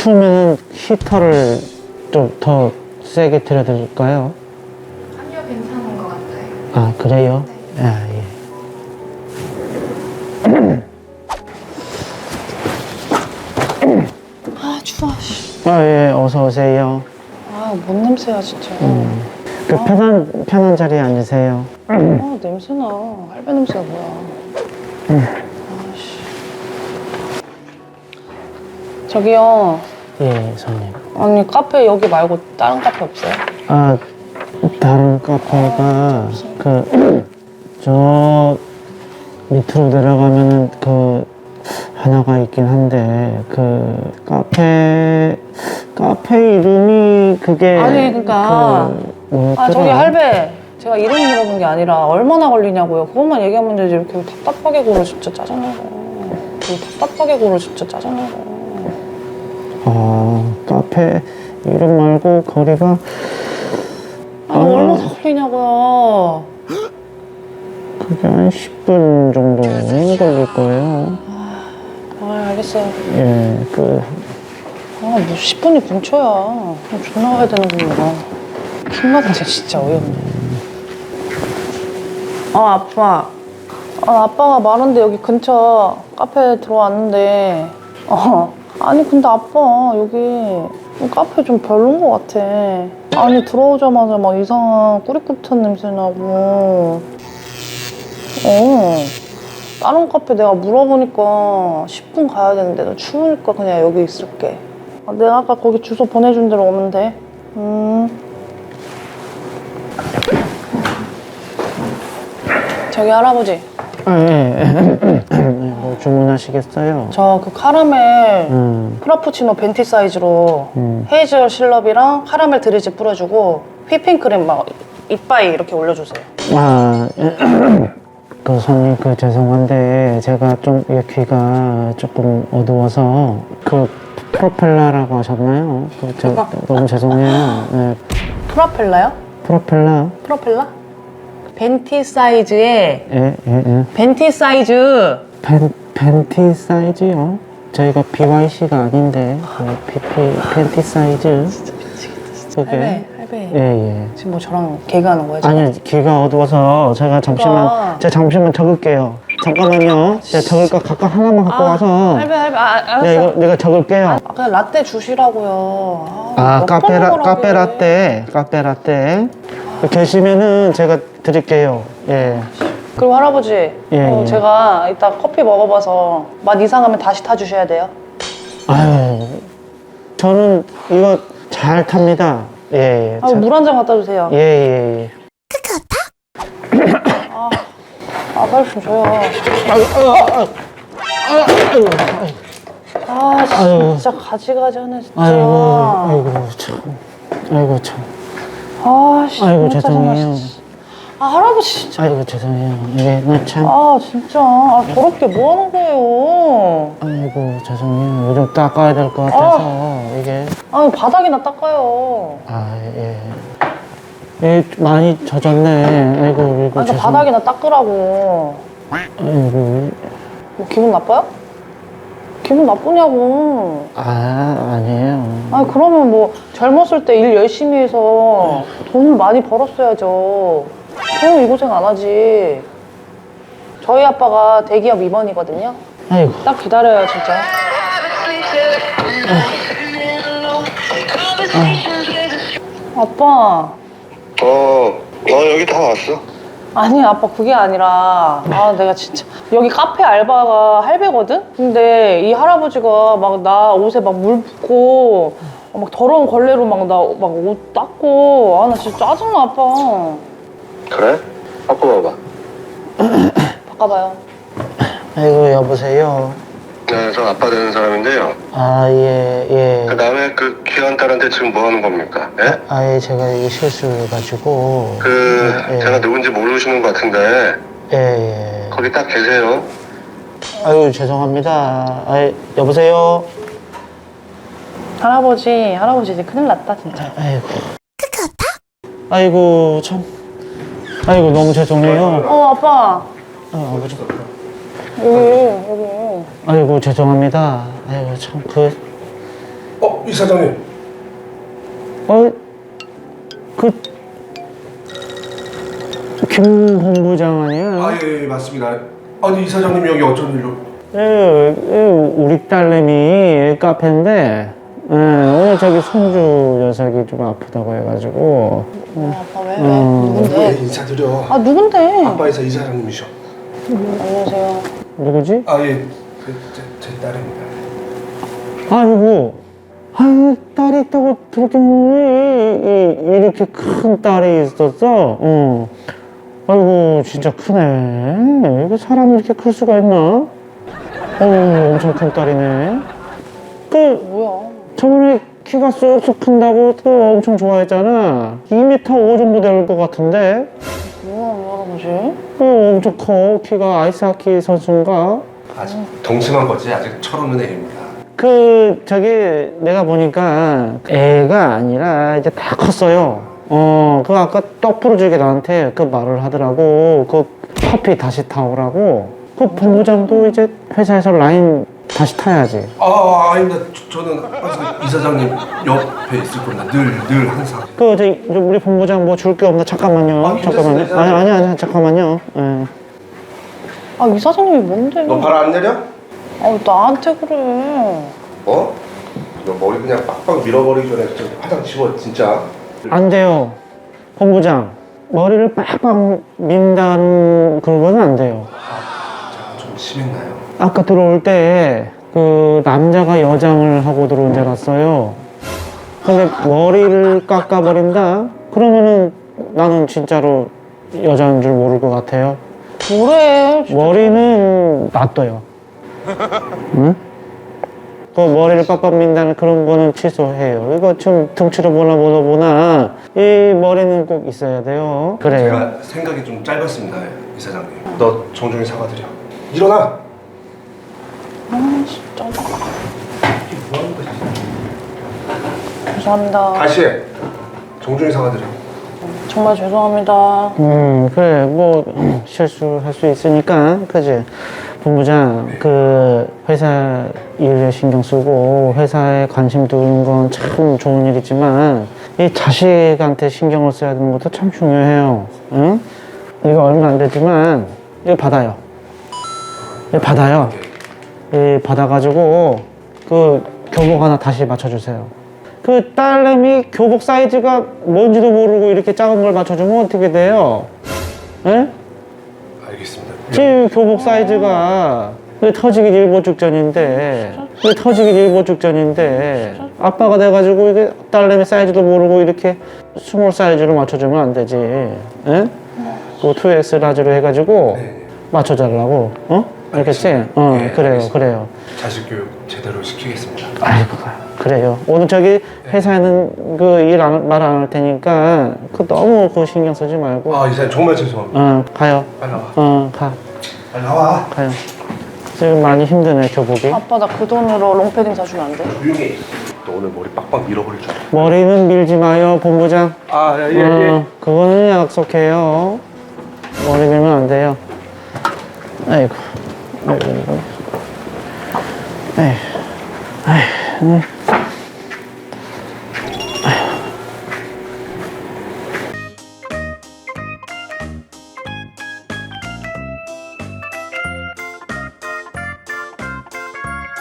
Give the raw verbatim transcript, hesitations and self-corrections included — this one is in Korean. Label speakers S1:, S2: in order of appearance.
S1: 추우면 히터를 좀 더 세게 틀어드릴까요?
S2: 아니요, 괜찮은 것 같아요.
S1: 아, 그래요?
S2: 네.
S1: 아, 예.
S3: 아 추워. 씨.
S1: 아, 예, 어서 오세요.
S3: 아뭔 냄새야 진짜.
S1: 음. 그 편한, 편한 자리에 앉으세요.
S3: 아 냄새나. 할배 냄새가 뭐야. 아씨. 저기요.
S1: 예, 손님.
S3: 아니 카페 여기 말고 다른 카페 없어요?
S1: 아, 다른 카페가, 그, 저, 밑으로 내려가면은 그, 하나가 있긴 한데, 그, 카페, 카페 이름이 그게.
S3: 아니, 그러니까.
S1: 그, 뭐였더라?
S3: 아 저기 할배. 제가 이름 물어본 게 아니라 얼마나 걸리냐고요. 그것만 얘기하면 되지. 이렇게 답답하게 굴어 진짜 짜증나고. 이렇게 답답하게 굴어 진짜 짜증나고.
S1: 아, 카페 이름 말고 거리가.
S3: 아, 얼마나 걸리냐고요.
S1: 그게 한 십 분 정도 걸릴 거예요.
S3: 아 알겠어요.
S1: 예, 그,
S3: 아뭐 십 분이 근처야. 그럼 존나 가야 되는 거구나. 킹받네 진짜 어이없네. 아 아빠. 아 아빠가 말한데 여기 근처 카페 들어왔는데 어 아니 근데 아빠 여기 카페 좀 별론 것 같아. 아니 들어오자마자 막 이상한 꾸리꾸리한 냄새 나고 어 다른 카페 내가 물어보니까 십 분 가야 되는데 너 추우니까 그냥 여기 있을게. 아, 내가 아까 거기 주소 보내준 대로 오면 돼. 음. 저기 할아버지
S1: 아, 예. 뭐 주문하시겠어요?
S3: 저 그 카라멜
S1: 음,
S3: 프라푸치노 벤티 사이즈로
S1: 음.
S3: 헤이즐 시럽이랑 카라멜 드리즈 뿌려주고 휘핑크림 막 이빠이 이렇게 올려주세요.
S1: 아, 그 손님 그 죄송한데 제가 좀 이 귀가 조금 어두워서 그 프로펠라라고 하셨나요? 그 저, 너무 죄송해요. 네,
S3: 프로펠라요?
S1: 프로펠라.
S3: 프로펠라? 벤티 사이즈에
S1: 예, 예, 예.
S3: 벤티 사이즈
S1: 팬, 팬티 사이즈요? 저희가 비와이씨가 아닌데 그 피피 팬티 사이즈. 그게.
S3: 할배 할배
S1: 예, 예.
S3: 지금 뭐 저랑 개그하는 거야 지금?
S1: 아니 귀가 어두워서 제가 잠시만
S3: 그러니까.
S1: 제가 잠시만 적을게요. 잠깐만요. 제가 적을 거 각각 하나만 갖고
S3: 아,
S1: 와서
S3: 할배 할배 아, 알았어.
S1: 내가 이거 내가 적을게요.
S3: 아, 그냥 라떼 주시라고요.
S1: 아,
S3: 몇
S1: 카페
S3: 번
S1: 라
S3: 먹으라고
S1: 카페
S3: 해.
S1: 라떼 카페 라떼 계시면은 제가 드릴게요. 예.
S3: 그리고 할아버지
S1: 예,
S3: 어,
S1: 예.
S3: 제가 이따 커피 먹어봐서 맛 이상하면 다시 타주셔야 돼요.
S1: 아유, 저는 이거 잘 탑니다. 예, 예.
S3: 아, 물 한 잔 갖다 주세요.
S1: 예, 예, 예.
S3: 아, 아 빨리 좀 줘요.
S1: 아유, 아유, 아유, 아유,
S3: 아
S1: 아유.
S3: 진짜 가지가지 하네 진짜.
S1: 아이고, 아이고, 참. 아이고, 참.
S3: 아씨
S1: 아이고, 죄송해요.
S3: 아 할아버지 진짜.
S1: 아이고, 죄송해요. 이게 나 참.
S3: 아 진짜 아 더럽게 뭐 하는 거예요?
S1: 아이고, 죄송해요. 요즘 닦아야 될 것 같아서 이게.
S3: 아 바닥이나 닦아요.
S1: 아, 예. 예, 많이 젖었네. 아이고, 아이고,
S3: 아
S1: 죄송.
S3: 바닥이나 닦으라고.
S1: 아이고.
S3: 뭐 기분 나빠요? 기분 나쁘냐고.
S1: 아, 아니에요.
S3: 아니 그러면 뭐 젊었을 때 일 열심히 해서 돈을 많이 벌었어야죠. 저는 이 고생 안 하지. 저희 아빠가 대기업 임원이거든요.
S1: 아이고.
S3: 딱 기다려요 진짜. 아빠.
S4: 어, 어, 여기 다 왔어.
S3: 아니 아빠 그게 아니라 아 내가 진짜 여기 카페 알바가 할배거든? 근데 이 할아버지가 막 나 옷에 막 물 붓고 막 더러운 걸레로 막 나 막 옷 닦고 아 나 진짜 짜증나 아빠.
S4: 그래? 바꿔봐봐.
S3: 바꿔봐요.
S1: 아이고, 여보세요.
S4: 네, 저 아빠 되는 사람인데요.
S1: 아, 예, 예.
S4: 그 남의 그 귀한 딸한테 지금 뭐 하는 겁니까? 예?
S1: 아예 제가 이 실수해가지고.
S4: 그,
S1: 예,
S4: 제가 누군지 모르시는 것 같은데,
S1: 예, 예.
S4: 거기 딱 계세요.
S1: 아유, 죄송합니다. 아, 여보세요.
S3: 할아버지 할아버지 이제 큰일 났다 진짜.
S1: 아이고. 아이고, 참. 아이고, 너무 죄송해요.
S3: 어 아빠
S1: 아, 아버지.
S3: 여기 여기.
S1: 아이고, 죄송합니다. 아이고, 참, 그.
S5: 어, 이사장님.
S1: 어, 그, 김 본부장 아니야?
S5: 아, 예, 예, 맞습니다. 아니, 이사장님이 여기 어쩐 일로?
S1: 예, 예, 우리 딸내미 카페인데, 예, 오늘 저기 손주 녀석이 좀 아프다고 해가지고.
S3: 어, 아빠 왜? 왜?
S1: 음.
S5: 왜
S3: 누군데?
S5: 인사드려?
S3: 아 누군데?
S5: 아빠 이사 이사장님이셔.
S3: 안녕하세요.
S1: 누구지?
S5: 아, 예, 제, 제, 제 딸입니다.
S1: 아이고, 아유, 딸이 있다고 들었더니, 이- 이렇게 큰 딸이 있었어? 어. 아이고, 진짜 크네. 이게 사람이 이렇게 클 수가 있나? 어, 엄청 큰 딸이네. 그,
S3: 뭐야?
S1: 저번에 키가 쑥쑥 큰다고 또 엄청 좋아했잖아. 이 미터 오 정도 될 것 같은데?
S3: 뭐야 왜 할아버지?
S1: 어, 엄청 커. 키가 아이스하키 선수인가?
S5: 아직 동심한 거지. 아직 철없는 애입니다.
S1: 그 저기 내가 보니까 애가 아니라 이제 다 컸어요. 어, 그 아까 떡 부러지게 나한테 그 말을 하더라고. 그 커피 다시 타오라고. 그 본부장도 이제 회사에서 라인 다시 타야지.
S5: 아, 아닙니다. 저, 저는 항상 이사장님 옆에 있을 겁니다. 늘, 늘 항상.
S1: 그 저 우리 본부장 뭐 줄 게 없나? 잠깐만요.
S5: 아, 괜찮습니다,
S1: 잠깐만요. 아니
S5: 이사장님.
S1: 아니 아니 잠깐만요. 예.
S3: 아 이사장님이 뭔데?
S5: 너 발 안 내려?
S3: 아 나한테 그래.
S5: 어? 너 머리 그냥 빡빡 밀어버리기 전에 좀 화장 지워, 진짜.
S1: 안 돼요. 본부장 머리를 빡빡 민다는 그런 건 안 돼요.
S5: 자, 좀 심했나요?
S1: 아까 들어올 때 그 남자가 여장을 하고 들어온 줄 알았어요. 근데 머리를 깎아버린다? 그러면은 나는 진짜로 여자인 줄 모를 것 같아요.
S3: 뭐래? 진짜.
S1: 머리는 놔둬요. 응? 그 머리를 빡빡 민다는 그런 거는 취소해요. 이거 좀 등치로 보나 보나 보나 이 머리는 꼭 있어야 돼요. 그래요.
S5: 제가 생각이 좀 짧았습니다, 이사장님. 너 정중히 사과드려. 일어나!
S3: 아 진짜.
S5: 이게 뭐 하는 거지?
S3: 죄송합니다.
S5: 다시 해. 정중히 사과드려.
S3: 정말 죄송합니다.
S1: 음, 그래, 뭐, 실수할 수 있으니까, 그지? 본부장, 그, 회사 일에 신경 쓰고, 회사에 관심 두는 건 참 좋은 일이지만, 이 자식한테 신경을 써야 되는 것도 참 중요해요. 응? 이거 얼마 안 되지만, 이거 받아요. 이거 받아요. 이 받아가지고, 그, 교복 하나 다시 맞춰주세요. 그 딸내미 교복 사이즈가 뭔지도 모르고 이렇게 작은 걸 맞춰주면 어떻게 돼요? 예?
S5: 알겠습니다.
S1: 지금 교복 사이즈가 왜 터지기 일보 직전인데 왜 터지기 일보 직전인데 아빠가 돼가지고 이게 딸내미 사이즈도 모르고 이렇게 스몰 사이즈로 맞춰주면 안 되지. 예? 그 투 엑스 라지로 해가지고
S5: 네.
S1: 맞춰달라고. 어? 알겠지?
S5: 알겠습니다.
S1: 어,
S5: 예,
S1: 그래요,
S5: 알겠습니다.
S1: 그래요.
S5: 자식 교육 제대로 시키겠습니다.
S1: 아이고, 그래요. 오늘 저기 회사에는 그 일 말 안 할 테니까 그 너무 그 신경 쓰지 말고.
S5: 아, 이사님 정말 죄송합니다.
S1: 어, 가요.
S5: 빨리 나와.
S1: 어, 가.
S5: 빨리 나와.
S1: 가요. 지금 많이 힘드네, 교복이.
S3: 아빠 나 그 돈으로 롱패딩 사주면 안 돼?
S5: 조용히 해. 너 오늘 머리 빡빡 밀어버릴 줄 알아.
S1: 머리는 밀지 마요, 본부장.
S5: 아, 예, 예.
S1: 어, 그거는 약속해요. 머리 밀면 안 돼요. 아이고. 아이고, 아이고. 에이. 아이,